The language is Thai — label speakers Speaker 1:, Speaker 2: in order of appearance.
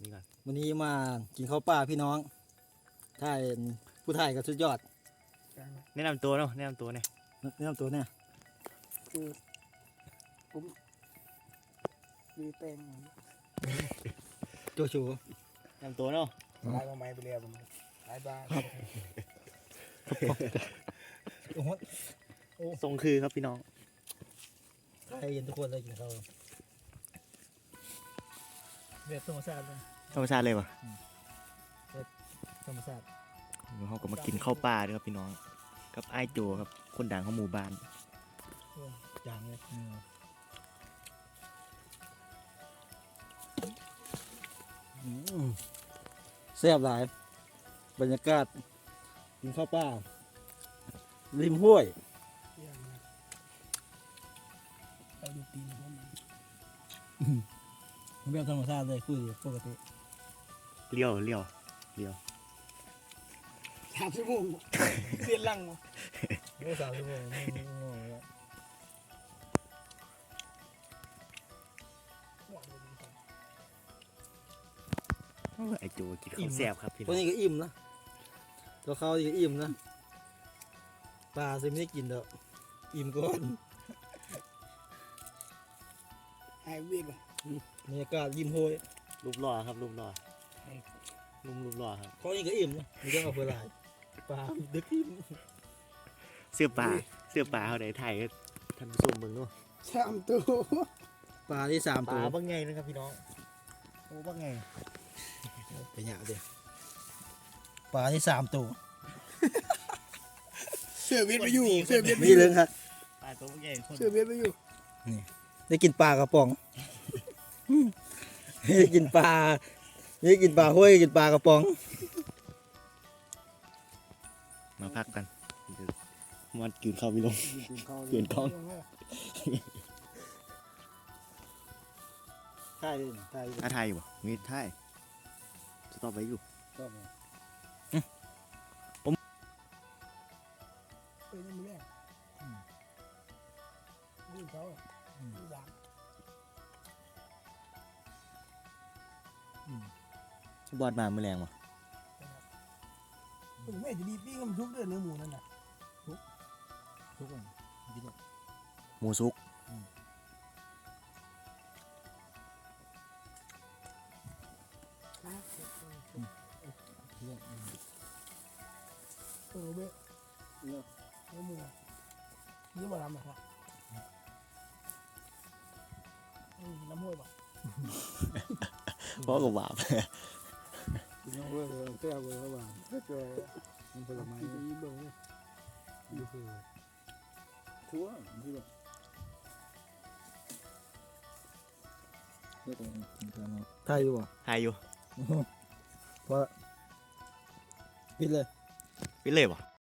Speaker 1: นี่ก่อน
Speaker 2: วันนี้มากินข้าวปลาพี่น้องถ่ายผู้ถ่ายก็สุดยอด
Speaker 1: แนะนำตัวเนาะแนะนำตัวเนี่ย
Speaker 2: แนะนำตัวเนี่ย
Speaker 3: คือผมมีแป้ง
Speaker 2: โจชู
Speaker 1: แนะนำตัวเนาะ
Speaker 3: ลายมาไม้ไปเรียบมันลายบ้าน
Speaker 2: โอ้โห
Speaker 1: ทรงคือครับพี่น้อง
Speaker 2: ถ่ายเย็นทุกคนเลยกินข้าวแบบธรรมชาติเลย
Speaker 1: ธรรมชาติเลยวะ
Speaker 2: ธรรมชาติ
Speaker 1: เขาก็มากินข้าวปลาด้วยครับพี่น้องกับไอ้ายโจครับคนดังของหมู่บ้าน
Speaker 2: อย่างเลยแซ่บหลายบรรยากาศกินข้าวปลาริมห้วย
Speaker 3: ไปดูตีนเขามัน
Speaker 2: แบบธรรมชาติเลยคือปกติ
Speaker 1: เลี้ยว
Speaker 3: 3 ชั่วโมงเสียนลัง
Speaker 2: ไม่3 ชั่วโมงไม่งงแล้ว
Speaker 1: ไอ้โจกินข้าวแซ่บครับพี่
Speaker 2: พ
Speaker 1: น้
Speaker 2: ว
Speaker 1: อก ง
Speaker 2: นี้ก็อิ่มนะตัวเขานี่ก็อิ่มนะปลาซิไม่ได้กินเด้ออิ่มก่อน
Speaker 3: หายเวียนป่ะ
Speaker 2: บรรยากาศยิ้มห้วย
Speaker 1: รูปหล่อครับรูปหล่อรูปหล่อครับ
Speaker 2: เขานี่ก็อิ่มนะมีเรื่องเอาเพื่อหลายปลาดึกอิ่ม
Speaker 1: เสื้อปลาเขาได้ถ่ายให้ท่านผู้ชมมึงเนาะ
Speaker 3: 3 ตัว
Speaker 2: ปลาที่3
Speaker 1: ป
Speaker 2: ตัว
Speaker 1: ลาบ้างไงนะครับพี่น้องโอ้บ้างไง
Speaker 2: ไปหยาเดียวปลาที่3 ตัว
Speaker 3: เสือเวียนไปอยู่เสือเวียนไป
Speaker 2: มี
Speaker 3: อยู่
Speaker 2: เรื่องครับ
Speaker 1: ปลาตัวบ้างไงคน
Speaker 3: เสือเวียนไปอยู่
Speaker 2: ได้กินปลากระป๋องได้กินปลาได้กินปลาห้วยกินปลากระป๋อง
Speaker 1: มาพักกันมันกินข้าวพี่น้อง เปลี่ยนกล้อง
Speaker 2: ใช่เลยใช่เลย
Speaker 1: ท้าทายอยู่บ่มีท้ายสต็อปไว้อยู่
Speaker 2: ก็
Speaker 3: เป็นยังไงแม่ดูเขาดูด่าง
Speaker 1: บอดมาเมื่อแรงวะ
Speaker 3: ผมไม่จะดีปิ้งมันทุกเดือนเนื้อหมูนั่นน่ะ
Speaker 2: ทุกคนกินหมด
Speaker 1: หมูซุก
Speaker 3: เบ้เนื้อหมูเนื้อมาทำนะครับน้ำห้วยป่ะ
Speaker 1: เพราะกับบาป
Speaker 2: กินน้ำห้วยเลยแก้วเลยระหว่างก็เจอมันผลไม้
Speaker 3: ที่จะยิ้มลงเนี่ย
Speaker 2: ดูคือทั่วที่แบบเรื่องของกินกันเนาะไทยอยู่บ่
Speaker 1: ทายอยู่
Speaker 2: เพราะปิดเลย
Speaker 1: ไปเลยบ่